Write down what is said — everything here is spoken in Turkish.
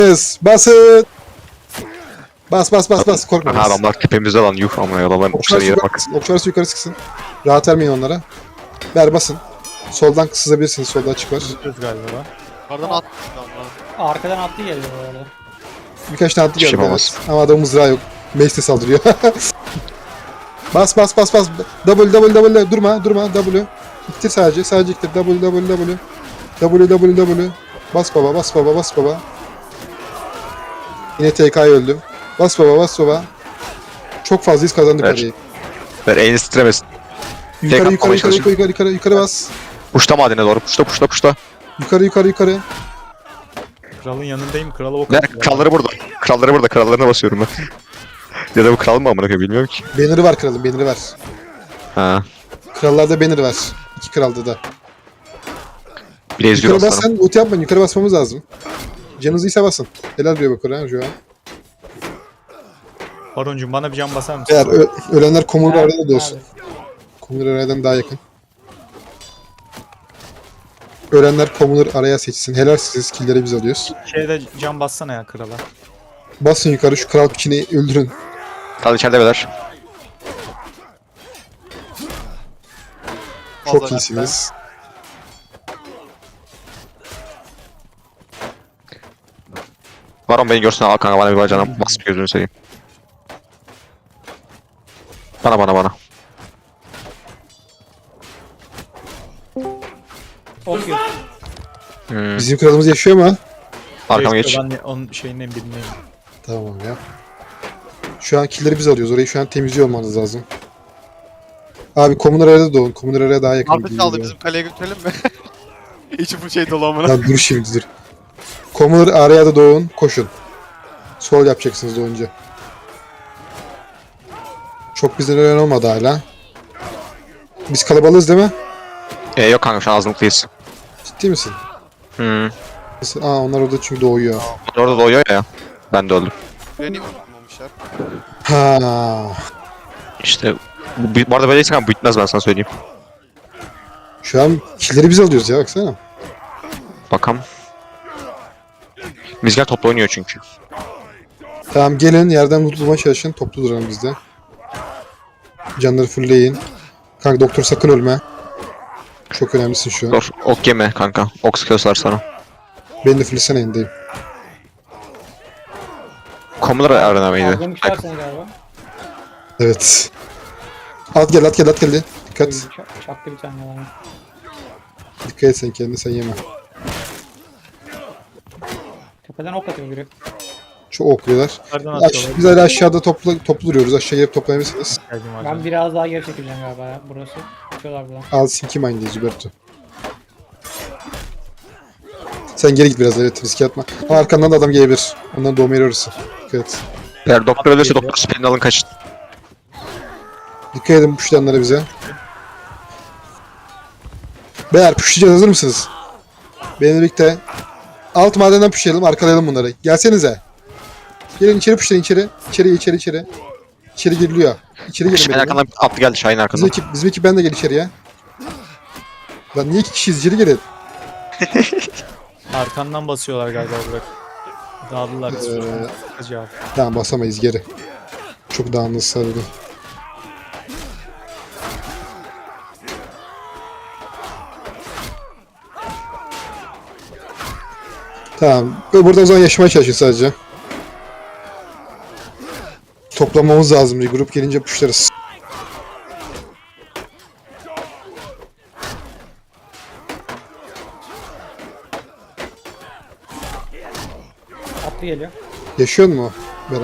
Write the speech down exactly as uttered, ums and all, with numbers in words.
Yes, basın. Bas bas bas bas korkma. Aha bas. adamlar tepemizde lan yuh amına adamların Okçular uçları yere yukarı bak. sıksın. Okçular yukarı sıksın. Rahat vermeyin onlara. Ver basın. Soldan sızabilirsiniz. Solda açık var. Tutuyoruz galiba. Yukarıdan atmış adamlar. Arkadan attı geliyor bu arada. Birkaç tane attı Hiçbir şey geldi yapamaz. evet. Ama adamın mızrağı yok. Mace saldırıyor. Bas bas bas bas. W W W durma durma W. İttir sadece. Sadece ittir. W W W. W W W. Bas baba bas baba bas baba. Yine T K'ya öldüm. Bas baba bas baba. Çok fazla iz kazandık Evet. orayı. Ver elini titremesin. Yukarı atmamaya yukarı yukarı çalışın. yukarı yukarı yukarı yukarı bas. Puşta madene doğru puşta puşta puşta. Yukarı yukarı yukarı. Kralın yanındayım. Krala ok Ver atıyor. kralları burada. Kralları burada krallarına basıyorum ben. Ya da bu kral mı amına koyayım bilmiyorum ki. Banner'ı var kralın banner'ı var. Ha. Krallarda banner var. İki kralda da. Bir de ezgiyor Yukarı bas aslanım. sen ulti yapmayın. Yukarı basmamız lazım. Canınızı ise basın. Helal diyor bak oraya şu an. Baroncuğum bana bir can basar mısın? Eğer ö- ölenler komur Nerede? arada da olsun. Nerede? Komur arayadan daha yakın. Ölenler komur araya seçsin. Helal siz killleri biz alıyoruz. Şeyde can bassana ya krala. Basın yukarı şu kral pikini öldürün. Kral içeride beyler. Çok Fazla iyisiniz. Baron beni görsün al kanka bana bir bacağına bas bir gözünü seveyim. Bana bana bana. Ok yok. Hmm. Bizim kralımız yaşıyor mu? Arkama Neyse, geç. Ben de onun şeyinden bilmiyorum. Tamam ya. Şu an killleri biz alıyoruz. Orayı şu an temizliyor olmanız lazım. Abi komünler arada doğun. Komünler araya daha yakın. Artı gibi çaldı geliyor. bizim kaleye götürelim mi? İçi bu şey dolu amına. Lan dur şimdi dur. Komünler araya da doğun. Koşun. Sol yapacaksınız doğunca. Çok bizden ölen olmadı hala. Biz kalabalığız değil mi? E yok kanka şu an azınlıklıyız. Ciddi misin? Hmm. Mesela- Aa onlar orada çünkü doğuyor. Orada doğuyor ya. Ben de öldüm. Beni unutmamışlar. Ha. İşte bu, bu arada böyleyse kanka bitmez ben sana söyleyeyim. Şu an killleri biz alıyoruz ya baksana. Bakalım. Bizler toplu oynuyor çünkü. Tamam gelin yerden loot bulmaya çalışın. Toplu duralım biz de. Canları fullleyin. Kanka doktor sakın ölme. Çok önemlisin şu an. Dur ok yeme kanka. Ok sıkıyorlar sana. Ben de fullesene indeyim. Komular arena mıydı? Aldım çıkarsın galiba. Evet. At gel at gel at gel. Dikkat. Ç- Çaktı bir tane yani. Dikkat et sen kendine sen yeme. Tepeden ok atıyor biri. Çok okluyorlar. Nereden Aş atıyorlar? biz hala aşağıda toplu, toplu duruyoruz. Aşağıya gelip toplayabilirsiniz. Geldim Ben hocam. biraz daha geri çekileceğim galiba ya. Burası. Atıyorlar buradan. Al Sinki Mind'deyiz Huberto. Sen geri git biraz evet riske atma. Ama arkandan da adam gelebilir. Ondan doğma yeri orası. Dikkat et. Eğer doktor ölürse doktor spelini alın kaçın. Dikkat edin puşlayanlara bize. Beyler puşlayacağız hazır mısınız? Benimle birlikte alt madenden puşlayalım arkalayalım bunları. Gelsenize. Gelin içeri puşlayın içeri. İçeri içeri içeri. İçeri giriliyor. İçeri gelin. Şahin benimle. arkandan atlı geldi Şahin Bizim arkandan. ekip, bizim ekip ben de gel içeriye. Lan niye iki kişiyiz içeri gelin. Arkandan basıyorlar galiba Burak. Dağıldılar. Ee, Hacı abi. Tamam basamayız geri. Çok dağınız sarıldı. Tamam. Ve burada o zaman yaşamaya çalışın sadece. Toplamamız lazım. Bir grup gelince puşlarız. Attı geliyor. Yaşıyor mu?